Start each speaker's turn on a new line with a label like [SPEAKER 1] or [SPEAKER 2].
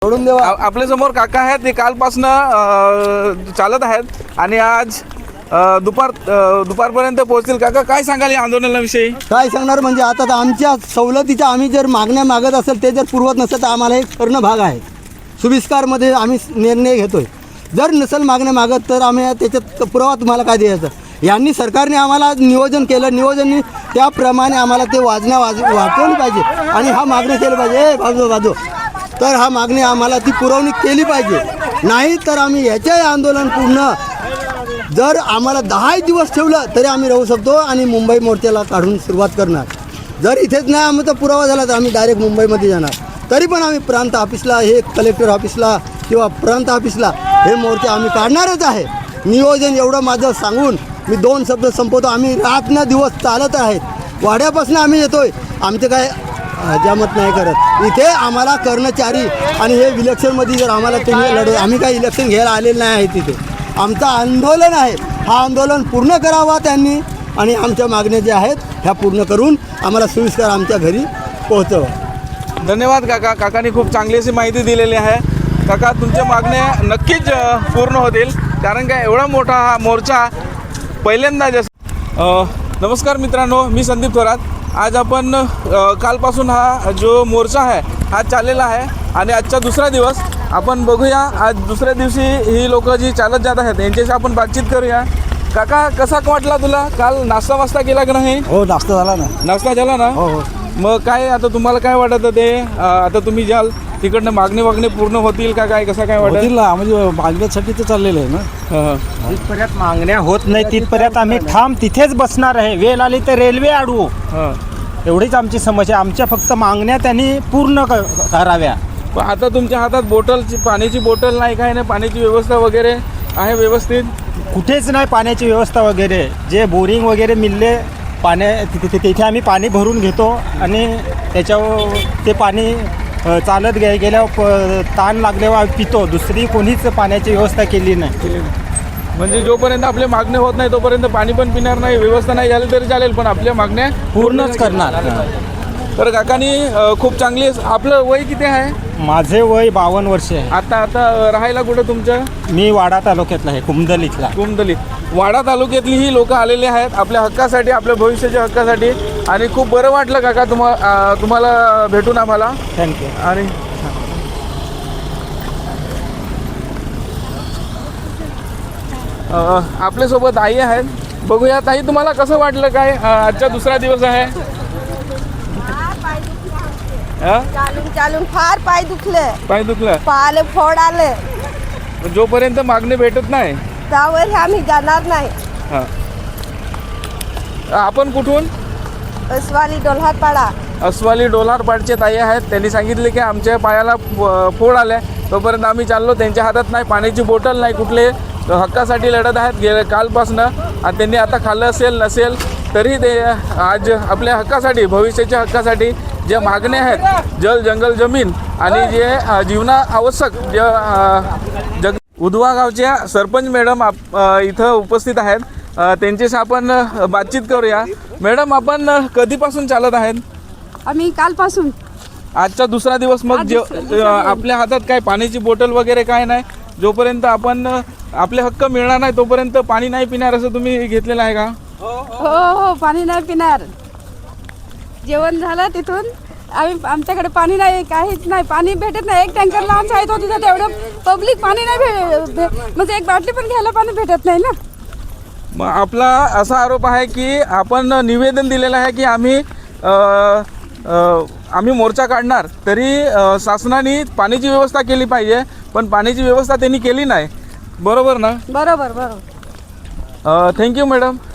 [SPEAKER 1] सोडून देवा।
[SPEAKER 2] आपल्या समोर काका आहेत, ते कालपासून चालत आहेत आणि आज दुपारपर्यंत पोहोचतील। काका काय सांगाल या आंदोलनाविषयी?
[SPEAKER 1] काय सांगणार म्हणजे आता तर आमच्या सवलतीच्या आम्ही जर मागण्या मागत असेल ते जर पुरवत नसेल तर आम्हाला एक करणं भाग आहे। सुविस्कारमध्ये आम्ही निर्णय घेतोय। जर नसेल मागण्या मागत तर आम्ही त्याच्यात पुरावा तुम्हाला काय द्यायचा। यांनी सरकारने आम्हाला नियोजन केलं, नियोजन त्याप्रमाणे आम्हाला ते वाटवली पाहिजे आणि हा मागणी केली पाहिजे बाजू तर हा मागणी आम्हाला ती पुरवणी केली पाहिजे। नाही तर आम्ही याचे आंदोलन पूर्ण जर आम्हाला 10 दिवस ठेवलं तरी आम्ही राहू शकतो आणि मुंबई मोर्चाला काढून सुरुवात करणार। जर इथेच नाही आमचा पुरावा झाला तर आम्ही डायरेक्ट मुंबईमध्ये जाणार। तरी पण आम्ही प्रांत ऑफिसला, हे कलेक्टर ऑफिसला किंवा प्रांत ऑफिसला हे मोर्चे आम्ही काढणारच आहे। नियोजन एवढं माझं सांगून मी 2 शब्द संपवतो। आम्ही रात्र दिवस चालत आहेत, वाड्यापासून आम्ही येतोय। आमचे काय हजामत नाही करत। इथे आम्हाला कर्मचारी आणि हे इलेक्शनमध्ये जर आम्हाला तुम्ही लढव, आम्ही काही इलेक्शन घ्यायला आलेलं नाही आहे। तिथे आमचं आंदोलन आहे, हा आंदोलन पूर्ण करावा त्यांनी आणि आमच्या मागण्या ज्या आहेत ह्या पूर्ण करून आम्हाला सोयीस्कर आमच्या घरी पोहोचवा।
[SPEAKER 2] धन्यवाद काका, काकांनी खूप चांगली अशी माहिती दिलेली आहे। काका तुमच्या मागण्या नक्कीच पूर्ण होतील, कारण काय एवढा मोठा हा मोर्चा पहिल्यांदा नमस्कार मित्रांनो, मी संदीप थोरात। आज आपण कालपासून हा जो मोर्चा आहे हा चाललेला आहे आणि आजचा दुसरा दिवस आपण बघूया। आज दुसऱ्या दिवशी ही लोक जी चालत जात आहेत यांच्याशी आपण बातचीत करूया। काका कसा वाटला तुला? काल नाश्ता वास्ता केला की नाही?
[SPEAKER 1] हो, नाश्ता झाला ना।
[SPEAKER 2] नाश्ता झाला ना?
[SPEAKER 1] हो हो।
[SPEAKER 2] मग काय आता तुम्हाला काय वाटतं ते आता तुम्ही जाल तिकडनं मागणी पूर्ण होतील का काय, कसं काय वाटतं?
[SPEAKER 1] होतील ना, म्हणजे मागण्यासाठी तर चाललेलं आहे ना।
[SPEAKER 3] जिथपर्यंत मागण्या होत नाही तिथपर्यंत आम्ही ठाम तिथेच बसणार आहे। वेळ आली तर रेल्वे अडवू, एवढीच आमची समस्या। आमच्या फक्त मागण्या त्यांनी पूर्ण कराव्या।
[SPEAKER 2] पण आता तुमच्या हातात बॉटलची, पाण्याची बॉटल नाही, काय नाही, पाण्याची व्यवस्था वगैरे आहे व्यवस्थित?
[SPEAKER 3] कुठेच नाही पाण्याची व्यवस्था वगैरे। जे बोरिंग वगैरे मिळले तिथे आम्ही पाणी भरून घेतो आणि त्याच्यावर ते पाणी चालत गेल्यावर ताण लागल्यावर पितो। दुसरी कोणीच पाण्याची व्यवस्था केली नाही।
[SPEAKER 2] म्हणजे जोपर्यंत आपल्या मागण्या होत नाही तोपर्यंत पाणी पण पिणार नाही, व्यवस्था नाही झाली तरी चालेल, पण आपल्या मागण्या
[SPEAKER 3] पूर्णच करणार।
[SPEAKER 2] तर काकांनी खूप चांगली। आपलं वय किती आहे?
[SPEAKER 3] माझे वय 52 वर्ष आहे।
[SPEAKER 2] आता राहायला कुठं तुमचं?
[SPEAKER 3] मी वाडा तालुक्यातला आहे, कुमदलीतला।
[SPEAKER 2] कुमदली, वाडा तालुक्यातली ही लोक आलेली आहेत आपल्या हक्कासाठी, आपल्या भविष्याच्या हक्कासाठी। आणि खूप बरं वाटलं काका तुम्हाला भेटून आम्हाला।
[SPEAKER 3] थँक्यू।
[SPEAKER 2] आणि आपल्यासोबत आई आहेत, बघूया। ताई तुम्हाला कसं वाटलं काय आजचा दुसरा दिवस आहे?
[SPEAKER 4] चालून फार पाय दुखलं, पायाला फोड आले।
[SPEAKER 2] जोपर्यंत मागणी भेटत नाही
[SPEAKER 4] त्यावर आम्ही जाणार नाही।
[SPEAKER 2] आपण कुठून? अस्वाली डोल्हारपाडचे ताई आहेत। त्यांनी सांगितले की आमच्या पायाला फोड आल्या, तोपर्यंत आम्ही चाललो। त्यांच्या हातात नाही पाण्याची बॉटल नाही, कुठले हक्कासाठी लढत आहेत कालपासून। आणि त्यांनी आता खाल्लं असेल नसेल तरी ते आज आपल्या हक्कासाठी, भविष्याच्या हक्कासाठी ज्या मागण्या आहेत, जल जंगल जमीन आणि जे जीवना आवश्यक उधवा गावच्या सरपंच मॅडम इथं उपस्थित आहेत। त्यांच्याशी आपण बातचीत करूया। मॅडम आपण कधीपासून चालत आहेत?
[SPEAKER 5] आम्ही कालपासून।
[SPEAKER 2] आजचा दुसरा दिवस। मग आपल्या हातात काय पाण्याची बॉटल वगैरे काय नाही, जोपर्यंत आपण आपले हक्क मिळणार नाही तोपर्यंत पाणी नाही पिणार असं तुम्ही घेतलेलं आहे का?
[SPEAKER 5] हो, पाणी नाही पिणार। जेवण झालं तिथून आमच्याकडे पाणी नाही, काहीच नाही, पाणी भेटत नाही। एक टँकर लहान शाळेत होती तर तेवढं पब्लिक पाणी नाही म्हणजे एक बाटली पण घ्यायला पाणी भेटत नाही ना।
[SPEAKER 2] मग आपला असा आरोप आहे की आपण निवेदन दिलेलं आहे की आम्ही मोर्चा काढणार, तरी शासनाने पाण्याची व्यवस्था केली पाहिजे, पण पाण्याची व्यवस्था त्यांनी केली नाही। बरोबर ना?
[SPEAKER 5] बरोबर।
[SPEAKER 2] Thank you madam.